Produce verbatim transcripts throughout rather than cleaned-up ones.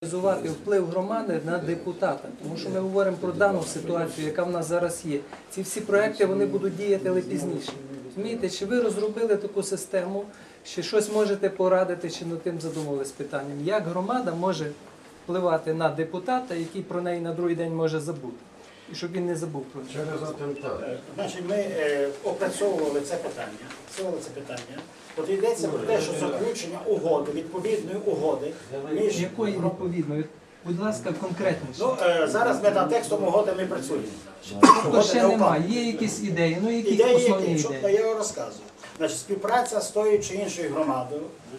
Реалізувати вплив громади на депутата, тому що ми говоримо про дану ситуацію, яка в нас зараз є. Ці всі проекти вони будуть діяти, але пізніше. Розумієте, чи ви розробили таку систему, чи щось можете порадити, чи над тим задумувались питанням, як громада може впливати на депутата, який про неї на другий день може забути, і щоб він не забув про це. Через атентат. Значить, ми е, опрацьовували це питання. Опрацьовували це питання. От йдеться про те, що заключення угоди, відповідної угоди між... Якої відповідної? Будь ласка, конкретніше. Ну, е, зараз ми над текстом угоди ми працюємо. То ще немає. Є якісь ідеї, ну які Ідеї, основні які, що ідеї? я розказую. Значить, співпраця з тою чи іншою громадою,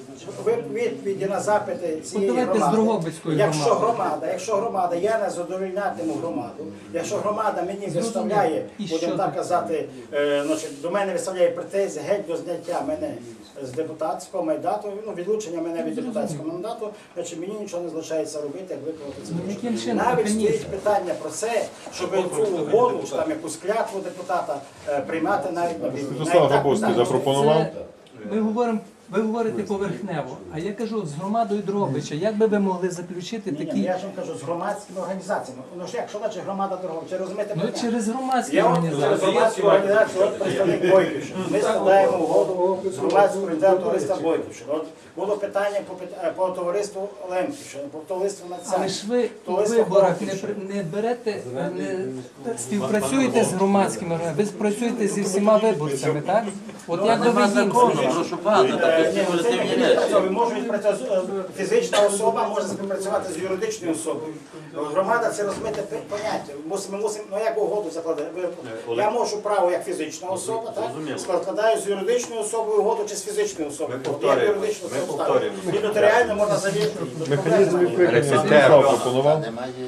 відповіді на запити цієї давайте з громади. Дрогобицькою Якщо громадою. громада, якщо громада, я не задовольнятиму громаду, якщо громада мені виставляє, І будемо що так таке? казати, е, значить, до мене виставляє претензії геть до зняття мене з депутатського мандату, ну, відлучення мене від депутатського мандату, значить мені нічого не залишається робити, як виконати це. Ну, яким чином? Навіть Механізм. стоїть питання про це, щоб цю угоду, чи там якусь клятву депутата е, приймати навіть на війні. Святослав Грабовський запропонував. Ми говоримо, ви говорите поверхнево, а я кажу от з громадою Дрогобича, як би ви могли заключити Ні, ні, такі, я ж вам кажу, з громадськими організаціями. Ну ж як, що значить громада Дрогобича, розумієте? ну питання? через громадські Я вам через організації. громадську організацію, от представник Бойківщини. Ми складаємо угоду з громадською організацією товариства Бойківщини. От було питання по, пит- по товариству Лемківщини, по товариству Але Нацянського. ж ви у виборах не, при- не берете, не співпрацюєте з громадськими організаціями, ви працюєте зі всіма виборцями, так? От як би ви їм Прошу пана, так Ні, ну, це не відпрацьовує. Може відпрацьовувати фізична особа, може співпрацювати з юридичною особою. Громада це розмите пи- поняття. Мусимо, мусимо, ну як угоду закладати. Ви- Я можу право як фізична особа, так? Складаю з юридичною особою угоду чи з фізичною особою. От як юридичну особу ставлю. І нотаріально можна завірити. Механізм відповідно Святослав пропонував.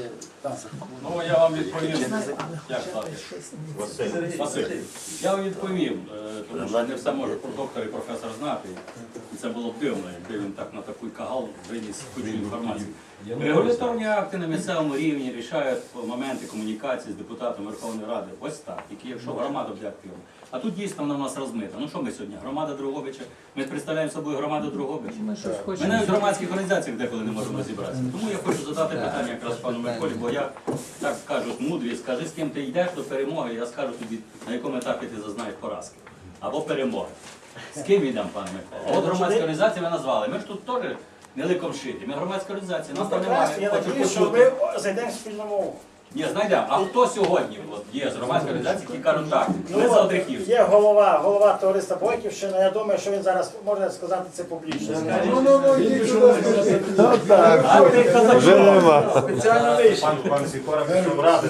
Ну я вам відповім. Як звати? Василь. Василь. Я вам відповім, е, тому що не все може про доктор і професор знати. І це було б дивно, якби він так на такий кагал виніс кучу інформації. Регуляторні акти на місцевому рівні рішають моменти комунікації з депутатом Верховної Ради. Ось так, тільки якщо громада буде активна. А тут дійсно вона в нас розмита. Ну що ми сьогодні? Громада Дрогобича. Ми представляємо собою громаду Дрогобича. Ми щось Ми хочемо. навіть в громадських організаціях деколи не можемо розібратися. Тому я хочу задати питання якраз пану Миколі, бо я, так кажуть, мудрі, скажи, з ким ти йдеш до перемоги, я скажу тобі, на якому етапі ти зазнаєш поразки. Або перемоги. З ким йдемо, пане Микола? От громадські організації ви назвали. Ми ж тут теж не ликом шиті. Ми громадська організація, Ну нас там прекрасно, немає. я Хочу надію, що почути. ми зайдемо в спільну мову. Ні, знайдемо. А хто сьогодні от, є з громадської організації, які кажуть так, ми Ну, за от, Одрихівську? є голова, голова товариства Бойківщина, я думаю, що він зараз може сказати це публічно. А ти казав, Вже нема. Спеціально вийшов. Пан, пан Сікора пішов ради.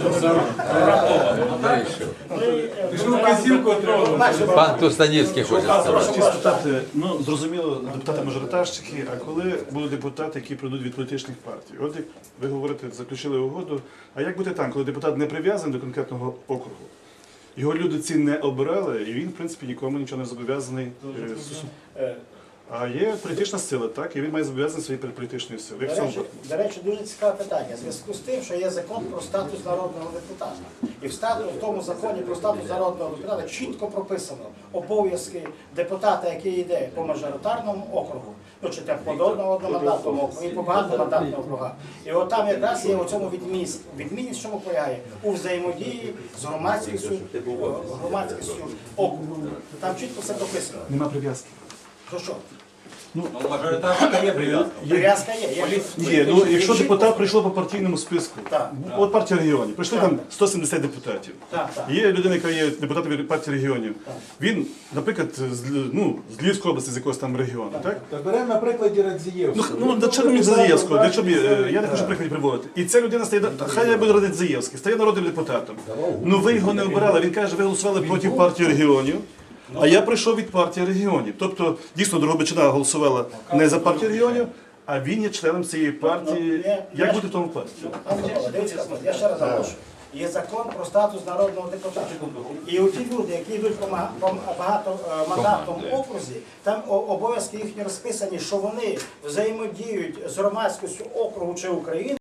Пан Тустанівський хоче сказати. Хотів спитати, ну зрозуміло, депутати-мажоритарщики, а коли будуть депутати, які прийдуть від політичних партій? От як ви говорите, заключили угоду, а як буде там, коли депутат не прив'язаний до конкретного округу? Його люди ці не обирали, і він, в принципі, нікому нічого не зобов'язаний. е, сус- Е, А є політична сила, так, і він має зобов'язаний своєю перед політичною силою. Як в До цьому речі, випадку? до речі, дуже цікаве питання. В зв'язку з тим, що є закон про статус народного депутата. І в, статус, в тому законі про статус народного депутата чітко прописано обов'язки депутата, який йде по мажоритарному округу, ну чи там по одномандатному округу і по багатомандатному округу. І от там якраз є у цьому відмінність. Відмінність в чому полягає? У взаємодії з громадськістю, громадськістю округу. Там чітко все прописано. Нема прив'язки. То що? Ну, мажоритарка є прив'язка. Прив'язка є. є. Є, ну якщо депутат прийшло по партійному списку, Так. от партія регіонів, прийшли там сто сімдесят депутатів. Так, так. Є людина, яка є депутатом від партії регіонів. Він, наприклад, з, ну, з Львівської області, з якогось там регіону, так? Беремо на прикладі Радзієвського. Ну, до чого мені Заєвського, для чого мені, е, я не хочу прикладів приводити. І ця людина стає, хай я буду радити Заєвський, стає народним депутатом. Ну ви його не обирали, він каже, ви голосували проти партії регіонів. А я прийшов від партії регіонів. Тобто, дійсно, Дрогобичина голосувала не за партію регіонів, а він є членом цієї партії. Як бути в тому випадку? Пане Микола, дивіться, я ще раз наголошую. Є закон про статус народного депутата. І у ті люди, які йдуть по ма- по багатомандатному окрузі, там о- обов'язки їхні розписані, що вони взаємодіють з громадськістю округу чи України.